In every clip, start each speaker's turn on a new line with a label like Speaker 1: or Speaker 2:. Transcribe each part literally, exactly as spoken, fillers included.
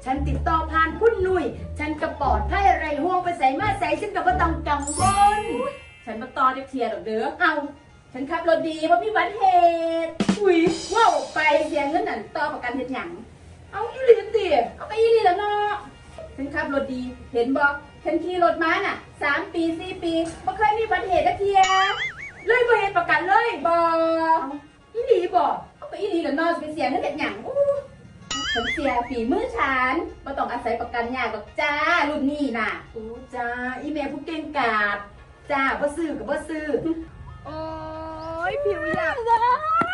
Speaker 1: ฉันติดต่อผ่านคุณหนุ่ยฉันกระปอดไพ่ไรห่วงไปใส่มาใส่ฉันกับว่าต้องกังวล
Speaker 2: ฉันมาต่อได้เคลียร์ดอกเด้อ
Speaker 1: เอาฉันขับรถดีเพราะพี่วัดเหตุอุ้ยว่าออกไปเสียเงินนั่นต่อประกันเหตุหยังเอาอีหลีตีเอาไปอีหลีแล้วเนาะฉันขับรถดีเห็นบอกฉันขี่รถมาน่ะสามปีสี่ปีไม่เคยมีอุบัติเหตุสักทีเลยบ่เหตุประกันเลยบอกอีหลีบอกเอาไปอีหลีแล้วเนาะจะไปเสียเงินเหตุหยังอู้ฉันเสียฝีมือฉันไม่ต้องอาศัยประกันยากหรอกจ้ารุ่นนี้น่ะอู้จ้าอีเมลผู้เก่งกาจจ้าบ่ซื้อกับบ่ซื้อโอ้ยผิวอยากจ้า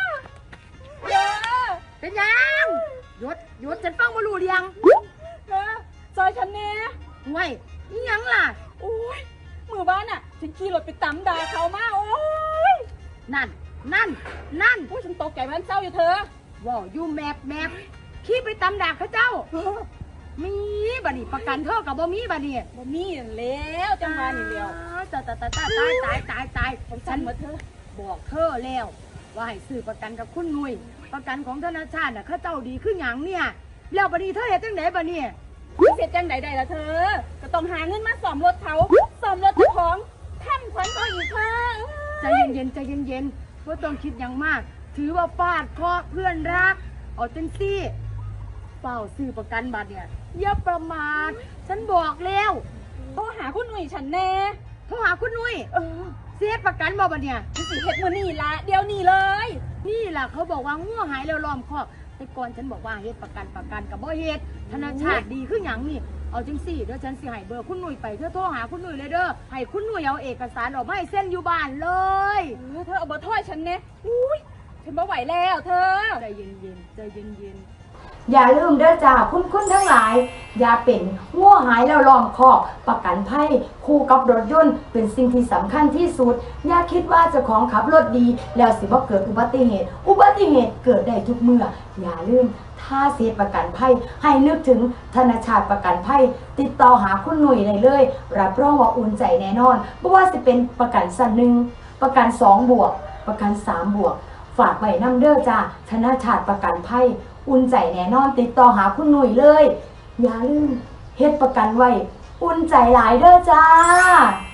Speaker 1: เป็นยังหยุดหยุดฉันฟังบ่รู้เรื่อง
Speaker 2: นะซอยฉันเนี่ย
Speaker 1: ห่วยนี่ยังล่ะ
Speaker 2: โอ้ยมือบ้านอ่ะฉันขี่รถไปตำด่าเขามาโอ้ย
Speaker 1: นั่นนั่นนั่น
Speaker 2: โอ้ยฉันตกใจมันเศร้าอยู่เธอ
Speaker 1: ว้าวยูแมบแมบขี่ไปตำด่าเขาเจ้ามีบัดนี้ประกันเท่ากับบ่มีบัดนี้
Speaker 2: บ่มีแล้วจังมานี่เดียว
Speaker 1: ตายตายตายตายตายตายตาย
Speaker 2: ผมฉันมาเธอ
Speaker 1: บอกเธอแล้วว่าให้ซื้อประกันกับคุณหนุ่ยประกันของธนาคารน่ะเขาเจ้าดีขึ้นหยังเนี่ยแล้วบัดนี้เธอเฮ็ดจังไดบัดนี้
Speaker 2: เสร็จจังใดๆล่ะเธอก็ต้องหาเงินมาซ่อมรถเขาซ่อมรถเจ้าของทำขวัญเขาอีกค่ะ
Speaker 1: ใจเย็นๆใจเย็นๆบ่ต้องคิดหยังมากถือว่าฟาดเคราะห์เพื่อนรักเอาจังซี่เฝ้าซื้อประกันบัตรเนี่ยอย่าประมาทฉันบอกแล้ว
Speaker 2: โทรหาคุณหนุ่ยฉันแน่
Speaker 1: โทรหาคุณหนุ่ยเออเสียประกันบ่บัดเนี่ย
Speaker 2: ฉันสิเฮ็ดมื้อนี้ละเดี๋ยวนี้เลย
Speaker 1: นี่ล่ะเขาบอกว่างัวหายแล้วล้อมคอกแต่ก่อนฉันบอกว่าเฮ็ดประกันประกันกับบ่เฮ็ดธนาคารดีขึ้นหยังนี่เอาจังซี่เดี๋ยวฉันสิให้เบอร์คุณหนุ่ยไปเธอโทรหาคุณหนุ่ยเลยเด้อให้คุณหนุ่ยเอาเอกสารออกมาให้เซ็นอยู่บ้านเลย
Speaker 2: เออเธอเอาเบอร์โทรฉันแน่อุ้ยฉันบ่ไหวแล้วเธอ
Speaker 1: ใจเย็นๆใจเย็นๆอย่าลืมเด้อจ้าคุณคุณทั้งหลายอย่าเป็นงัวหายแล้วล้อมคอกประกันภัยคู่กับรถยนต์เป็นสิ่งที่สำคัญที่สุดอย่าคิดว่าเจ้าของขับรถดีแล้วสิบ่เกิดอุบัติเหตุอุบัติเหตุเกิดได้ทุกเมื่ออย่าลืมถ้าเสียประกันภัยให้นึกถึงธนาคารประกันภัยติดต่อหาคุณหนุ่ยได้เลยรับรองว่าอุ่นใจแน่นอนเพราะว่าสิเป็นประกันสั้นหนึ่งประกันสองบวกประกันสามบวกฝากไว้นำเด้อจ้าธนาคารประกันภัยอุ่นใจแน่นอนติดต่อหาคุณหนุ่ยเลยอย่าลืมเฮ็ดประกันไว้อุ่นใจหลายเด้อจ้า